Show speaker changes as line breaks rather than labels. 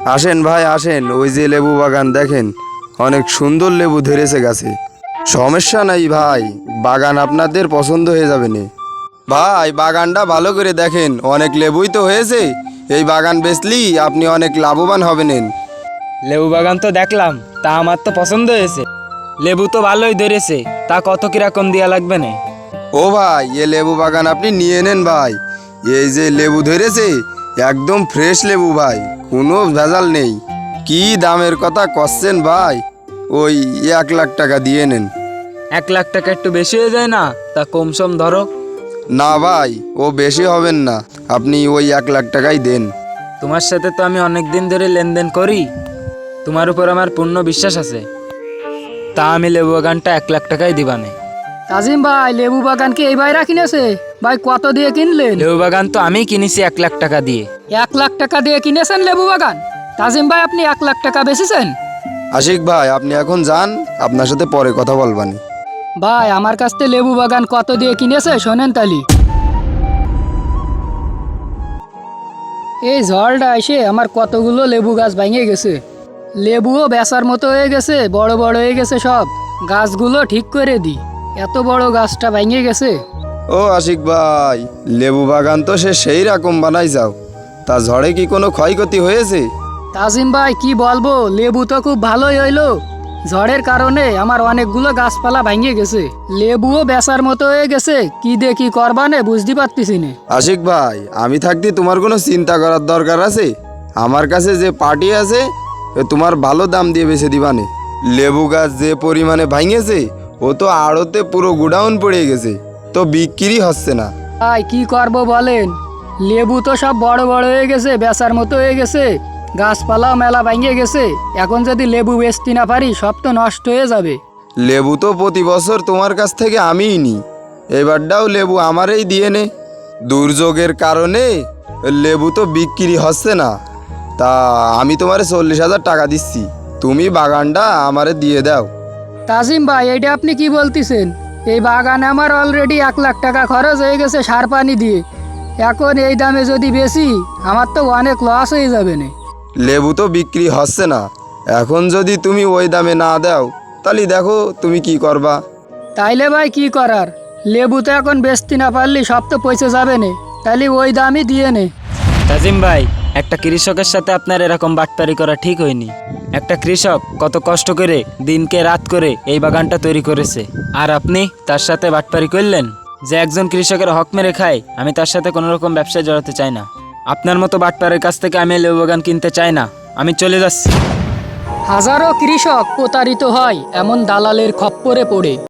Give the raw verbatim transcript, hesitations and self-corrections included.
আসেন ভাই আসেন, ওই যে লেবু বাগান দেখেন, অনেক সুন্দর লেবু ধরেছে গাছে। সমস্যা নাই ভাই, বাগান আপনাদের পছন্দ হয়ে যাবে নে। ভাই বাগানটা ভালো করে দেখেন, অনেক লেবুই তো হয়েছে। এই বাগান বেচলি আপনি অনেক লাভবান হবেন।
লেবু বাগান তো দেখলাম, তা আমার তো পছন্দ হয়েছে। লেবু তো ভালোই ধরেছে, তা কত কিরকম দেওয়া লাগবে না?
ও ভাই, এ লেবু বাগান আপনি নিয়ে নেন ভাই। এই যে লেবু ধরেছে, একদম ফ্রেশ লেবু ভাই, কোনো ভেজাল নেই। কি দামের কথা করছেন ভাই, ওই এক লাখ টাকা দিয়ে নেন।
এক লাখ টাকা একটু বেশি হয়ে যায় না? তা কম সম ধরো।
না ভাই, ও বেশি হবেন না, আপনি ওই এক লাখ টাকাই দেন।
তোমার সাথে তো আমি অনেক দিন ধরে লেনদেন করি, তোমার উপর আমার পূর্ণ বিশ্বাস আছে। তা আমি লেবু বাগানটা এক লাখ টাকাই দিবানে।
কাজিম ভাই, লেবু বাগান কি এই ভাইরা কিনেছে? ভাই কত দিয়ে কিনলেন?
লেবু বাগান তো আমি কিনেছি এক লাখ টাকা দিয়ে।
এক লাখ টাকা দিয়ে কিনেছেন লেবু বাগান? কাজিম ভাই, আপনি এক লাখ টাকা বেচেছেন?
আশিক ভাই, আপনি এখন যান, আপনার সাথে পরে কথা বলবানি।
ভাই, আমার কাছ থেকে লেবু বাগান কত দিয়ে কিনেছে শোনেন তালি। এই ঝড়টা এসে আমার কতগুলো লেবু গাছ ভেঙে গেছে। লেবুও বেচার মতো হয়ে গেছে, বড় বড় হয়ে গেছে সব। গাছগুলো ঠিক করে দি, এত বড় গাছটা ভেঙে গেছে।
ও আশিক ভাই, লেবু বাগান তো সে সেই রকম বানাই যাও, তা ঝড়ে কি কোনো ক্ষয়ক্ষতি হয়েছে?
তাজিম ভাই, কি বলবো, লেবু তো খুব ভালোই হইলো। ঝড়ের কারণে আমার অনেকগুলো গাছপালা ভেঙে গেছে, লেবুও বেচার মতো হয়ে গেছে। কি দিয়ে কি করবা নে বুঝতে পারতেছি না।
আশিক ভাই, আমি থাকতে তোমার কোনো চিন্তা করার দরকার আছে? আমার কাছে যে পার্টি আছে, এ তোমার ভালো দাম দিয়ে বেছে দিবানে। লেবু গাছ যে পরিমাণে ভাঙেছে, ও তো আড়তে পুরো গোডাউন পড়ে গেছে, তো বিক্রি হচ্ছে না।
ভাই কি করব বলেন, লেবু তো সব বড় বড় হয়ে গেছে, বেচার মতো হয়ে গেছে। গাছপালাও মেলা ভেঙে গেছে, এখন যদি লেবু বেচতে না পারি সব তো নষ্ট হয়ে যাবে।
লেবু তো প্রতি বছর তোমার কাছ থেকে আমিই নিই, এবারটাও লেবু আমারই দিয়ে নে। দুর্যোগের কারণে লেবু তো বিক্রি হচ্ছে না, তা আমি তোমারে চল্লিশ হাজার টাকা দিচ্ছি, তুমি বাগানটা আমারে দিয়ে দাও।
তাজিম ভাই, এটা আপনি কি বলতেছেন? এই বাগানে আমার অলরেডি এক লাখ টাকা খরচ হয়ে গেছে সার পানি দিয়ে। এখন এই দামে যদি বেশি, আমার তো অনেক লস হয়ে যাবে না।
লেবু তো বিক্রি হচ্ছে না, এখন যদি তুমি ওই দামে না দাও, তাহলে দেখো তুমি কি করবা।
তাইলে ভাই কি করার, লেবু তো এখন বেচতে না পারলি সব তো পয়সা যাবে না, তাহলে ওই দামই দিয়ে নে।
তাজিম ভাই, একটা কৃষকের সাথে আপনার এরকম বাটপারি করা ঠিক হয়নি। একটা কৃষক কত কষ্ট করে দিনকে রাত করে এই বাগানটা তৈরি করেছে, আর আপনি তার সাথে বাটপারি করলেন। যে একজন কৃষকের হক মেরে খায়, আমি তার সাথে কোনো রকম ব্যবসায় জড়াতে চাই না। আপনার মতো বাটপারের কাছ থেকে আমি লেবু বাগান কিনতে চাই না, আমি চলে যাচ্ছি।
হাজারো কৃষক প্রতারিত হয় এমন দালালের খপ্পরে পড়ে।